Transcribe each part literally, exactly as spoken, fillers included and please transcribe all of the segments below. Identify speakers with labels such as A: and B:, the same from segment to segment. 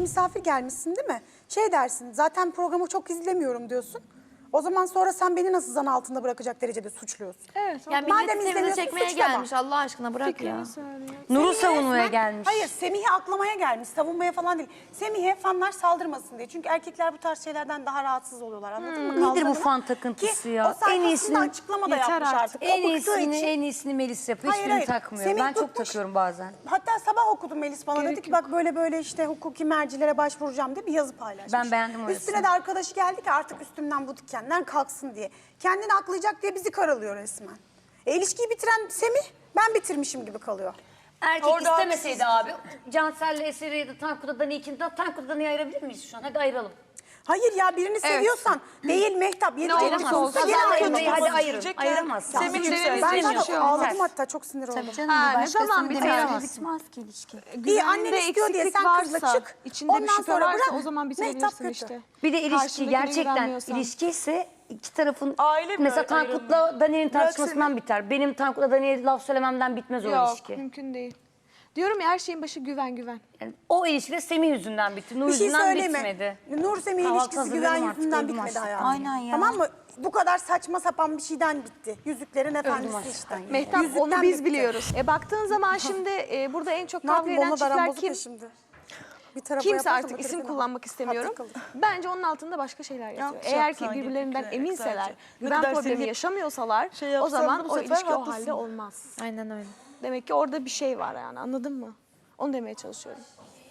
A: misafir gelmişsin değil mi? Şey dersin, zaten programı çok izlemiyorum diyorsun. O zaman sonra sen beni nasıl zan altında bırakacak derecede suçluyorsun.
B: Evet.
C: Yani
A: Madem
C: millet
A: izlemiyorsun,
C: size çekmeye
A: suçlama.
C: gelmiş Allah aşkına bırak ya.
D: Nur'u
A: Semih'e
D: savunmaya
A: resmen-
D: gelmiş.
A: Hayır, Semih'i aklamaya gelmiş, savunmaya falan değil. Semih'e fanlar saldırmasın diye. Çünkü erkekler bu tarz şeylerden daha rahatsız oluyorlar, anladın mı?
D: Nedir bu
A: Kaldırımına.
D: fan takıntısı
A: Ki
D: ya?
A: o
D: En
A: sayfasında
D: iyisini
A: açıklama da
B: yeter
A: yapmış
B: artık.
A: artık.
D: En
A: O bıktığı
D: iyisini,
A: için-
D: en iyisini Melis yapıyor.
A: Hayır,
D: Hiçbirini
A: hayır.
D: takmıyor.
A: Semih
D: Ben çok
A: tutmuş.
D: takıyorum bazen.
A: Hatta sabah okudum Melis bana, dedi ki bak böyle böyle işte hukuki mercilere başvuracağım diye bir yazı paylaşmış.
D: Ben beğendim orasını.
A: Üstüne de arkadaşı geldi ki artık üstümden bu dikenler kalksın diye. Kendini aklayacak diye bizi karalıyor resmen. E, ilişkiyi bitiren Semih, ben bitirmişim gibi kalıyor.
D: Erkek
E: Orada
D: istemeseydi abi. Cansel'le Eser'i ya da Tankut'la Dani'yi kim? Tankut'la Dani'yi ayırabilir miyiz şu an? Hadi ayıralım.
A: Hayır ya, birini seviyorsan değil Mehtap. Yedi
D: Ayıramazsın.
A: olsa gene
D: Kazanla
A: ayırma.
D: Emre'yi hadi
E: olması
D: ayırın.
E: diyecek ya.
D: Ayıramazsın.
E: Semih
A: Ben
E: yükseldi.
A: zaten ağladım, hatta çok sinir oldum.
F: Canım
B: Ha,
F: bir
B: ne
F: başkasının
B: zaman
F: bir
B: biter?
F: başkası bitmez ki ilişki.
A: İyi, annen
B: Güveninde
A: istiyor diye
B: eksiklik
A: sen kızla
B: varsa,
A: çık.
B: içinde bir
A: Ondan
B: şüphe
A: sonra
B: varsa
A: bırak.
B: o zaman
A: Mehtap
B: bitirebilirsin
A: kötü.
B: işte.
D: Bir de ilişki
B: Karşındakine
D: gerçekten
B: güvenmiyorsan.
D: ilişki ise iki tarafın
E: Aile mi
D: mesela
E: ayrılıyor?
D: Tankut'la Dani'nin
E: Bırak
D: tartışmasından
E: seni.
D: biter. Benim Tankut'la Dani'ye laf söylememden bitmez o
B: Yok,
D: ilişki.
B: mümkün değil. Diyorum ya, her şeyin başı güven güven.
D: Yani o ilişki de Semih yüzünden bitti. Nur
A: Bir şey
D: yüzünden
A: söyleme.
D: bitmedi.
A: Nur Semih
D: Kahvaltı
A: ilişkisi
D: hazırlıyorum
A: güven
D: artık,
A: yüzünden
D: öldüm
A: bitmedi
D: açlıktan.
A: hayatım.
F: Aynen ya.
A: Tamam mı? Bu kadar saçma sapan bir şeyden bitti. Yüzüklerin Efendisi
D: açlıktan
A: işte.
D: ya.
B: Mehtap,
A: Yüzükten
B: onu biz
A: bitti.
B: biliyoruz. E baktığın zaman şimdi e, burada en çok
A: Ne
B: kavga
A: yapayım,
B: eden
A: bomba daran
B: çiftler
A: bozuk
B: kim?
A: ya şimdi. Bir tarafa
B: Kimse
A: yaparsam
B: artık
A: öteki
B: isim
A: tarafa.
B: kullanmak istemiyorum.
A: Hatır kalır.
B: Bence onun altında başka şeyler yatıyor.
E: Yanlış
B: Eğer ki
E: yapsan
B: birbirlerinden
E: gerekli,
B: eminseler,
E: sadece. Ne
B: güven
E: kadar
B: problemi
E: seni
B: yaşamıyorsalar
E: şey
B: o
E: yapsan da
B: zaman
E: bu
B: o
E: sefer
B: ilişki o
E: haklısın.
B: halde olmaz.
C: Aynen öyle.
B: Demek ki orada bir şey var yani, anladın mı? Onu demeye çalışıyorum.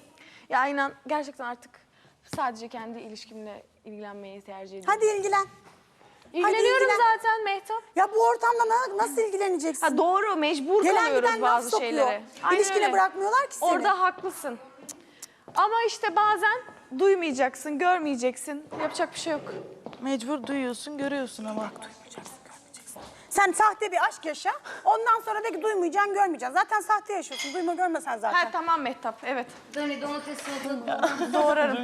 B: Ya inan gerçekten artık sadece kendi ilişkimle ilgilenmeyi tercih ediyorum.
A: Hadi ilgilen.
B: İlgileniyorum
A: ilgilen.
B: zaten Mehtap.
A: Ya bu ortamda na- nasıl ilgileneceksin?
B: Ha, doğru, mecbur
A: Gelen
B: kalıyoruz
A: giden laf
B: bazı
A: sokuyor.
B: şeylere. Aynen
A: İlişkine
B: öyle.
A: bırakmıyorlar ki seni.
B: Orada haklısın. Ama işte bazen duymayacaksın, görmeyeceksin. Yapacak bir şey yok.
E: Mecbur duyuyorsun, görüyorsun ama.
A: Sen sahte bir aşk yaşa. Ondan sonra de ki duymayacaksın, görmeyeceksin. Zaten sahte yaşıyorsun. Duyma görmesen zaten.
B: Ha tamam Mehtap, evet.
D: Dani domates salatalığı.
B: Doğrarım.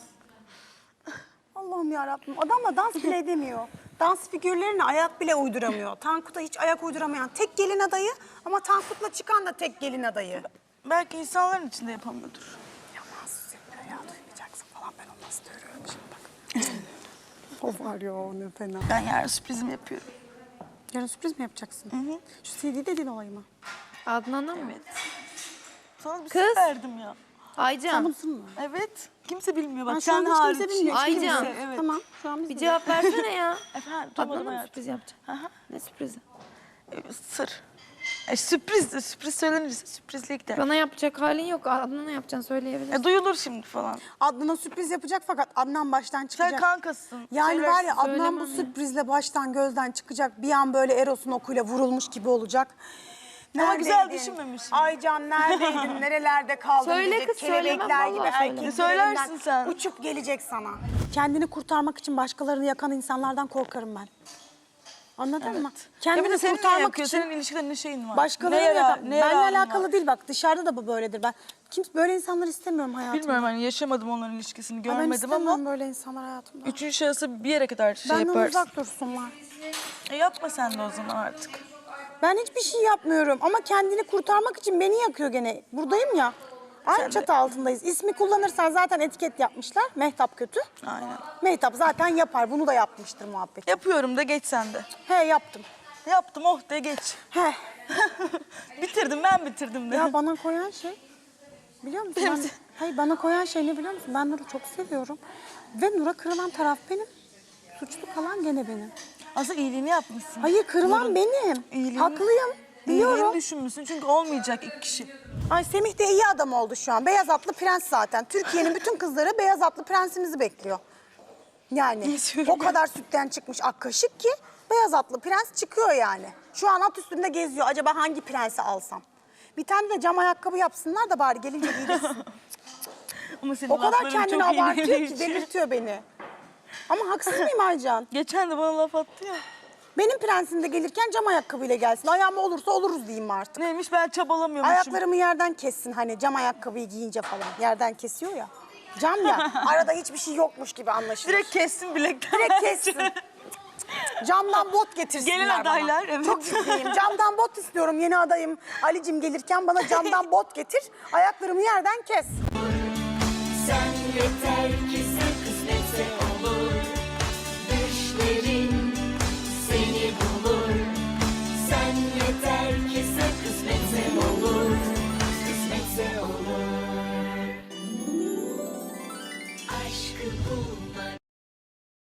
A: Allah'ım yarabbim. Adamla dans bile edemiyor. Dans figürlerine ayak bile uyduramıyor. Tankut'a hiç ayak uyduramayan tek gelin adayı ama Tankut'la çıkan da tek gelin adayı.
E: Belki insanların içinde yapamıyordur.
A: Yaman söylüyor ya, duymayacaksın falan. Ben onu nasıl görüyorum şimdi bak. O var ya, o ne fena.
E: Ben yarın sürprizimi yapıyorum.
A: Yarın sürpriz mi yapacaksın? Hı hı. Şu C D dediğin olayı mı?
C: Adnan'a mı?
E: Sana bir
C: Kız.
E: sır verdim ya.
C: Aycan
A: Tanımsın mı?
E: Evet. Kimse bilmiyor bak.
A: Ben şu an
E: sen
A: hiç
E: hariç.
A: kimse bilmiyor.
C: Aycan.
A: Kimse.
E: Evet.
A: Tamam, şu an biz
C: bir
A: biliyoruz.
C: cevap versene ya.
E: Efendim,
C: Adnan'a
E: duymadım
C: mı
E: hayatım.
C: sürpriz yapacaksın?
E: Aha.
C: Ne sürprizi?
E: Ee, Sır. E, sürpriz de sürpriz söylenirse sürprizlik de.
C: Bana yapacak halin yok. Adnan'a yapacaksın söyleyebilirsin.
E: E, duyulur şimdi falan.
A: Adnan'a sürpriz yapacak fakat Adnan baştan çıkacak.
E: Sen kankasın.
A: Yani var ya, Adnan
C: Söylemem
A: bu
C: ya.
A: sürprizle baştan gözden çıkacak. Bir an böyle Eros'un okuyla vurulmuş gibi olacak.
E: Ama güzel
A: Neredeydin?
E: düşünmemişsin.
A: Aycan neredeydin? Nerelerde kaldın?
C: Söyle
A: diyecek.
C: kız, söyleme.
A: Kelebekler gibi
C: Vallahi söyleme.
A: erkek
E: Söylersin
A: dilerinden
E: sen.
A: uçup gelecek sana. Kendini kurtarmak için başkalarını yakan insanlardan korkarım ben. Anladın mı?
E: Ya bir
A: Kendini
E: de senin ne
A: kurtarmak
E: yakıyor?
A: için
E: Senin ilişkide ne şeyin var?
A: başkalarını
E: Ne yara-
A: yakan.
E: ne yararın
A: Benle
E: var?
A: alakalı değil bak, dışarıda da bu böyledir. Ben kimse böyle insanları istemiyorum hayatımda.
E: Bilmiyorum hani yaşamadım onların ilişkisini
A: Ben
E: görmedim
A: istemiyorum
E: ama
A: böyle insanlar hayatımda.
E: üçüncü şahısı bir yere kadar şey
A: Benden
E: yaparsın.
A: uzak dursunlar.
E: E, yapma sen de o zaman artık.
A: Ben hiçbir şey yapmıyorum ama kendini kurtarmak için beni yakıyor gene. Buradayım ya. Aynı çatı altındayız. İsmi kullanırsan zaten etiket yapmışlar. Mehtap kötü.
E: Aynen.
A: Mehtap zaten yapar. Bunu da yapmıştır muhabbet.
E: Yapıyorum da geç sen de.
A: He, yaptım.
E: Yaptım oh de geç.
A: He.
E: Bitirdim ben bitirdim de.
A: Ya bana koyan şey, biliyor musun? Ben, hayır, bana koyan şey ne biliyor musun? Ben Nur'u çok seviyorum. Ve Nur'a kırılan taraf benim. Suçlu kalan gene benim.
E: Aslında iyiliğini yapmışsın.
A: Hayır, kırılan
E: Nur'un
A: benim.
E: iyiliğini-
A: Haklıyım.
E: İyiliğini
A: Biliyorum.
E: düşünmüşsün çünkü olmayacak iki kişi.
A: Ay, Semih de iyi adam oldu şu an. Beyaz atlı prens zaten. Türkiye'nin bütün kızları beyaz atlı prensimizi bekliyor. Yani o kadar sütten çıkmış ak kaşık ki beyaz atlı prens çıkıyor yani. Şu an at üstünde geziyor. Acaba hangi prensi alsam? Bir tane de cam ayakkabı yapsınlar da bari gelince giydirsin.
E: Ama senin
A: O kadar
E: lafların
A: kendini
E: çok iyi
A: abartıyor
E: değil.
A: ki delirtiyor beni. Ama haksız mıyım Aycan?
E: Geçen de bana laf attı ya.
A: Benim prensim de gelirken cam ayakkabıyla gelsin. Ayağıma olursa oluruz diyeyim artık.
E: Neymiş ben çabalamıyormuşum.
A: Ayaklarımı yerden kessin hani cam ayakkabıyı giyince falan. Yerden kesiyor ya. Cam ya. Arada hiçbir şey yokmuş gibi anlaşılır.
E: Direkt kessin bilekten.
A: Direkt kessin. Camdan bot getirsinler
E: Gelin
A: bana.
E: adaylar, evet.
A: Çok ciddiyim. Camdan bot istiyorum yeni adayım. Alicim gelirken bana camdan bot getir. Ayaklarımı yerden kes.
F: Sen yeter ki sen, kısmetse